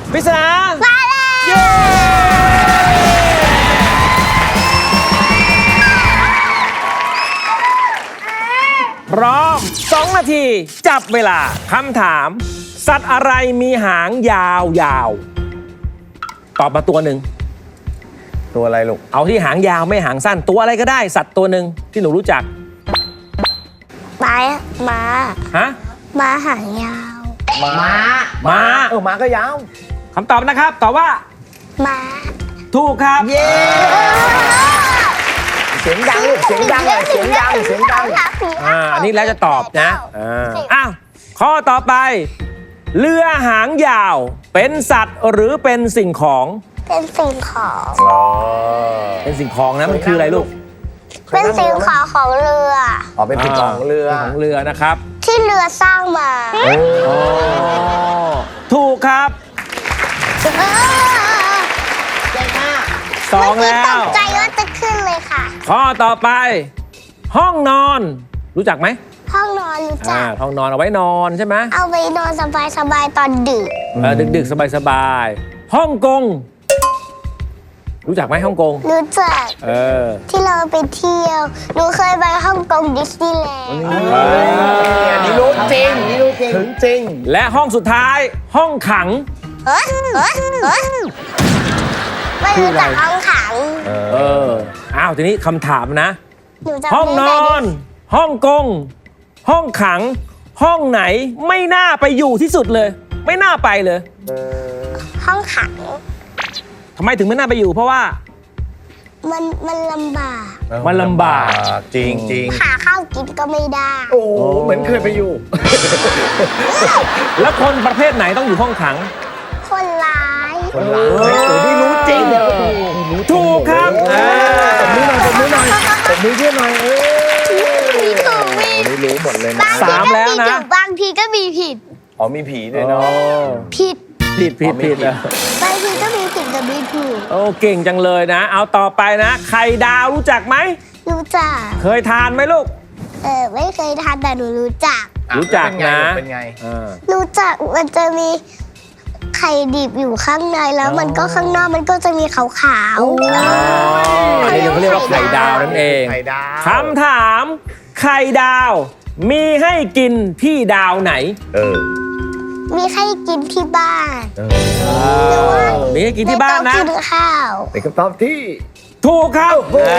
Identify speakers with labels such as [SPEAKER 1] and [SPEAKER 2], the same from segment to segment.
[SPEAKER 1] ปริศนา
[SPEAKER 2] มาแล้ว
[SPEAKER 1] เย้พร้อม 2 นาที จับเวลาคำถาม สัตว์อะไรมีหางยาวๆตอบมาตัวหนึ่ง
[SPEAKER 3] ตัวอะไรลูก
[SPEAKER 1] เอาที่หางยาวไม่หางสั้นตัวอะไรก็ได้สัตว์ตัวหนึ่งที่หนูรู้จัก
[SPEAKER 2] ม้า
[SPEAKER 1] ฮะ
[SPEAKER 2] ม้าหางยาว
[SPEAKER 3] ม้า
[SPEAKER 1] ม้า
[SPEAKER 3] ม้าก็ยาว
[SPEAKER 1] คำตอบนะครับตอบว่า
[SPEAKER 2] ม้า
[SPEAKER 1] ถูกครับ
[SPEAKER 3] เย้ เสียงดังลูก เสียงดังเลยเสียงดัง เสียงดัง
[SPEAKER 1] อันนี้แล้วจะตอบนะอ้าวข้อต่อไป เรือหางยาวเป็นสัตว์หรือเป็นสิ่งของ
[SPEAKER 2] เป็นสิ่งของ
[SPEAKER 1] เป็นสิ่งของนะมันคืออะไรลูก
[SPEAKER 2] เป็นสิ่งของของเรือ
[SPEAKER 3] อ๋อ เป็นสิ่งของเรือ
[SPEAKER 1] ของเรือนะครับ
[SPEAKER 2] ที่เรือสร้างมา
[SPEAKER 1] อ๋อถูกครับ
[SPEAKER 2] เก่งมาก
[SPEAKER 1] 2 แล้ว
[SPEAKER 2] ตกใจว่าจะขึ้นเลยค่ะ
[SPEAKER 1] ข้อต่อไป ห้องนอน รู้จักไหม
[SPEAKER 2] ห้องนอนรู้จัก
[SPEAKER 1] ห้องนอนเอาไว้นอนใช่ไหม
[SPEAKER 2] เอาไปนอนสบายๆตอนดึก
[SPEAKER 1] ดึกๆสบายๆฮ่องกงรู้จักไหมฮ่องกง
[SPEAKER 2] รู้จัก ที่เราไปเที่ยว หนูเคยไปฮ่องกงดิสนีย์แลนด์
[SPEAKER 3] อันนี้รู้จริง นี่รู้จริง ถึงจริง
[SPEAKER 1] และห้องสุดท้ายห้องขัง
[SPEAKER 2] ไม่รู้จักห้องขัง
[SPEAKER 1] อ้าวทีนี้คำถามนะ
[SPEAKER 2] หนูจำ
[SPEAKER 1] ห้องน
[SPEAKER 2] ไม่
[SPEAKER 1] อ
[SPEAKER 2] ได้
[SPEAKER 1] น ห้องกง ห้องขัง ห้องไหนไม่น่าไปอยู่ที่สุดเลย ไม่น่าไปเลย
[SPEAKER 2] ห้องขัง
[SPEAKER 1] ทำไมถึงไม่น่าไปอยู่ เพราะว่า
[SPEAKER 2] มันลำบาก
[SPEAKER 1] มันลำบาก
[SPEAKER 3] จริงจริง
[SPEAKER 2] หาข้าวกินก็ไม่ได้
[SPEAKER 3] โอ้เหมือนเคยไปอยู่
[SPEAKER 1] แล้วคนประเภทไหนต้องอยู่ห้องขัง
[SPEAKER 2] คนร้าย
[SPEAKER 3] คนร้ายโอ้นี่รู้จริง
[SPEAKER 1] ถูกครับ
[SPEAKER 3] ผมมือหน่อยผมมือหน่อยผมมือเพื่อนหน่อย
[SPEAKER 2] มีถูกมี
[SPEAKER 3] นี่รู้หมดเลยนะ
[SPEAKER 1] สามแล้วนะ
[SPEAKER 2] บางทีก็มีผิด
[SPEAKER 3] อ๋อมีผีด้วยเนาะ
[SPEAKER 2] ผิด
[SPEAKER 1] ผิดอะ
[SPEAKER 2] บางทีก็มีผิดกับมีถูก
[SPEAKER 1] โอ้เก่งจังเลยนะ เอาต่อไปนะ ไข่ดาวรู้จักไหม
[SPEAKER 2] รู้จัก
[SPEAKER 1] เคยทานไหมลูก
[SPEAKER 2] ไม่เคยทานแต่หนูรู้จัก
[SPEAKER 1] รู้จักนะ
[SPEAKER 3] เป็นไง
[SPEAKER 2] รู้จักมันจะมีไข่ดิบอยู่ข้างในแล้วมันก็ข้างนอกมันก็จะมีขาว
[SPEAKER 1] อันนี้เขาเรียกว่าไข่ดาวนั่นเอง
[SPEAKER 3] ไข่ดาว
[SPEAKER 1] คำถาม ไข่ดาว มีให้กินที่ดาวไหน
[SPEAKER 2] ๆมีให้กินที่บ้าน
[SPEAKER 1] มีให้กินที่บ้านนะ
[SPEAKER 2] ไม่ต้องกินข้าว
[SPEAKER 3] เป็นคำตอบที่
[SPEAKER 1] ถูกครับ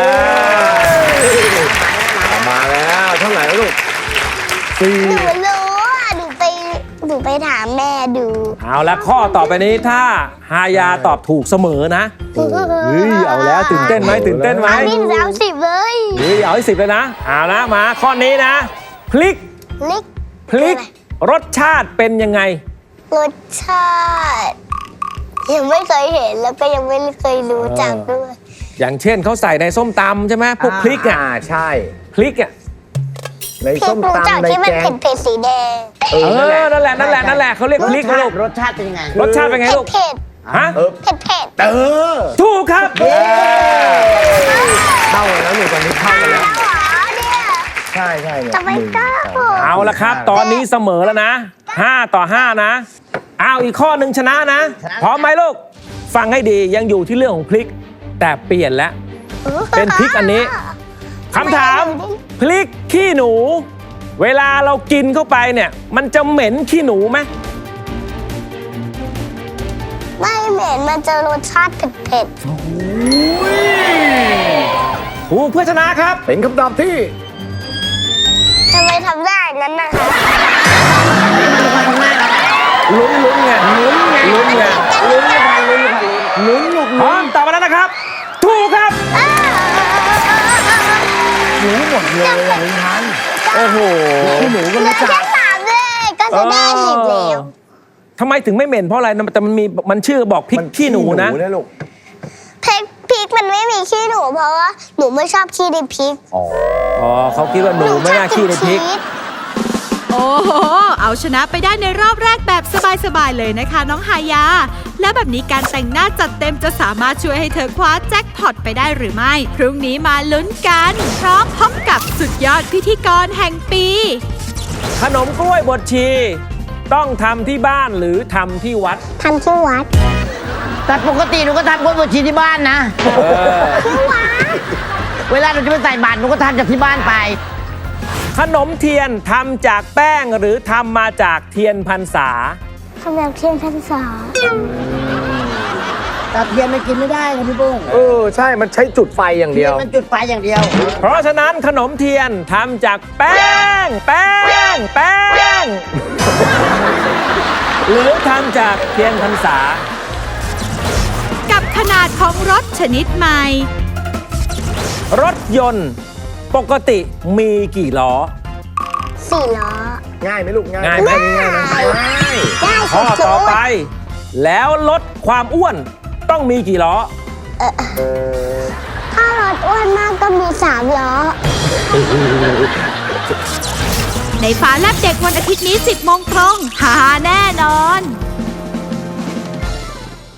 [SPEAKER 3] มาแล้วเท่าไหร่แล้วลูก
[SPEAKER 2] หนูรู้อ่ะหนูไปถามแม่ดู
[SPEAKER 1] เอาละข้อต่อไปนี้ถ้าฮายาตอบถูกเสมอนะเฮ้ยเอาแล้วตื่นเต้นไหมตื่นเต้นไหม
[SPEAKER 2] เอาพี่สาว10เลย
[SPEAKER 1] เฮ้ยเอาให้10เลยนะเอาละมาข้อนี้นะ พลิก
[SPEAKER 2] ลิก
[SPEAKER 1] พลิกรสชาติเป็นยังไง
[SPEAKER 2] รสชาติยังไม่เคยเห็นแล้วก็ยังไม่เคยรู้จักด้วย
[SPEAKER 1] อย่างเช่นเขาใส่ในส้มตำใช่ไหมพวกพริกอ่ะ
[SPEAKER 3] ใช่
[SPEAKER 1] พริกอ่ะ
[SPEAKER 3] ใน
[SPEAKER 2] พี่
[SPEAKER 3] ส้ม
[SPEAKER 2] รู้จัก
[SPEAKER 3] ตำใน
[SPEAKER 2] ที่มัน
[SPEAKER 3] แกง
[SPEAKER 2] เผ็ดๆสีแดง
[SPEAKER 1] นั่นแหละเขาเรียกพริกลูก
[SPEAKER 4] รสชาติเป็นยังไง
[SPEAKER 1] รสชาติเป็นไงลูก
[SPEAKER 2] เผ็ด
[SPEAKER 1] ฮะ
[SPEAKER 2] ๆเผ็ด
[SPEAKER 1] ถูกครับ
[SPEAKER 3] เข้าแล้วหนูตอนนี้เข้า
[SPEAKER 2] ๆ
[SPEAKER 3] แล้ว
[SPEAKER 2] แล้วเหรอเนี่ย
[SPEAKER 3] ใช่เนี่ย
[SPEAKER 2] ทำไมกล้า
[SPEAKER 1] เอาละครับ ตอนนี้เสมอแล้วนะ5-5นะเอาอีกข้อหนึ่งชนะนะ พร้อมไหมลูก ฟังให้ดียังอยู่ที่เรื่องของพริก แต่เปลี่ยนแล้ว เป็นพริกอันนี้ คำถามพริกขี้หนู เวลาเรากินเข้าไปเนี่ย มันจะเหม็นขี้หนูไหม
[SPEAKER 2] ไม่เหม็นมันจะรสชาติเผ็ด
[SPEAKER 1] ถูกเพื่อชนะครับ
[SPEAKER 3] เป็นคำตอบที่
[SPEAKER 2] ๆทำไมทำได้นั้นนะคะ
[SPEAKER 1] ลุ้นไงลุ้นไงพร้อมตอบมาแล้วนะครับ ถูกครับ
[SPEAKER 3] รู้หมดเลยอ่ะลุงพันธุ์
[SPEAKER 1] โอ้โห
[SPEAKER 3] พี่หนูก็
[SPEAKER 2] เหลื
[SPEAKER 3] รู้
[SPEAKER 2] อ
[SPEAKER 3] จั
[SPEAKER 2] แค่
[SPEAKER 3] ก
[SPEAKER 2] 3เลยก็จะได้10แล้ว
[SPEAKER 1] ทำไมถึงไม่เหม็นเพราะอะไรแต่มันชื่อบอกพริกขี้หนูนะ
[SPEAKER 3] ลูก
[SPEAKER 2] พริกมันไม่มีขี้หนูเพราะว่าหนูไม่ชอบขี้ในพริก
[SPEAKER 3] อ๋อ
[SPEAKER 1] เขาคิดว่าหนูไม่น่าขี้ในพริก
[SPEAKER 5] โอ้โห เอาชนะไปได้ในรอบแรกแบบสบายๆเลยนะคะน้องฮายา แล้วแบบนี้การแต่งหน้าจัดเต็มจะสามารถช่วยให้เธอคว้าแจ็คพอตไปได้หรือไม่ พรุ่งนี้มาลุ้นกัน พร้อมพบกับสุดยอดพิธีกรแห่งปี
[SPEAKER 1] ขนมกล้วยบดชีต้องทำที่บ้านหรือทำที่วัด
[SPEAKER 2] ทำที่วัด
[SPEAKER 3] แต่ปกติหนูก็ทำกล้วยบวชชีที่บ้านนะ
[SPEAKER 2] ที่วัด
[SPEAKER 3] เวลาเราจะไปใส่บาตรหนูก็ทำจากที่บ้านไป
[SPEAKER 1] ขนมเทียนทำจากแป้งหรือทำมาจากเทียนพรรษา
[SPEAKER 2] ทำแบบเทียนพรรษา
[SPEAKER 3] แต่เทียนมันกินไม่ได้นะพี่ปุ้ง
[SPEAKER 4] ใช่มันใช้จุดไฟอย่าง
[SPEAKER 3] เที
[SPEAKER 4] เดี
[SPEAKER 3] ย
[SPEAKER 4] ย
[SPEAKER 3] น
[SPEAKER 4] ว
[SPEAKER 3] มันจุดไฟอย่างเดียว
[SPEAKER 1] เพราะฉะนั้นขนมเทียนทำจากแป้ง หรือทำจากเทียนพรรษา
[SPEAKER 5] กับขนาดของรถชนิดใหม่
[SPEAKER 1] รถยนต์ปกติมีกี่ล้อ
[SPEAKER 2] 4 ล้อ
[SPEAKER 4] ง่ายไหมลูกง่าย
[SPEAKER 1] ง่ายไหม
[SPEAKER 4] ง่ายนะ
[SPEAKER 2] ได้
[SPEAKER 1] ข้อ
[SPEAKER 2] สุด
[SPEAKER 1] ต่อไป แล้วลดความอ้วนต้องมีกี่ล้อ
[SPEAKER 2] ถ้ารถอ้วนมากก็มี 3 ล้อ
[SPEAKER 5] ในฟ้าแลบเด็กวันอาทิตย์นี้ 10 โมงตรงหาแน่นอน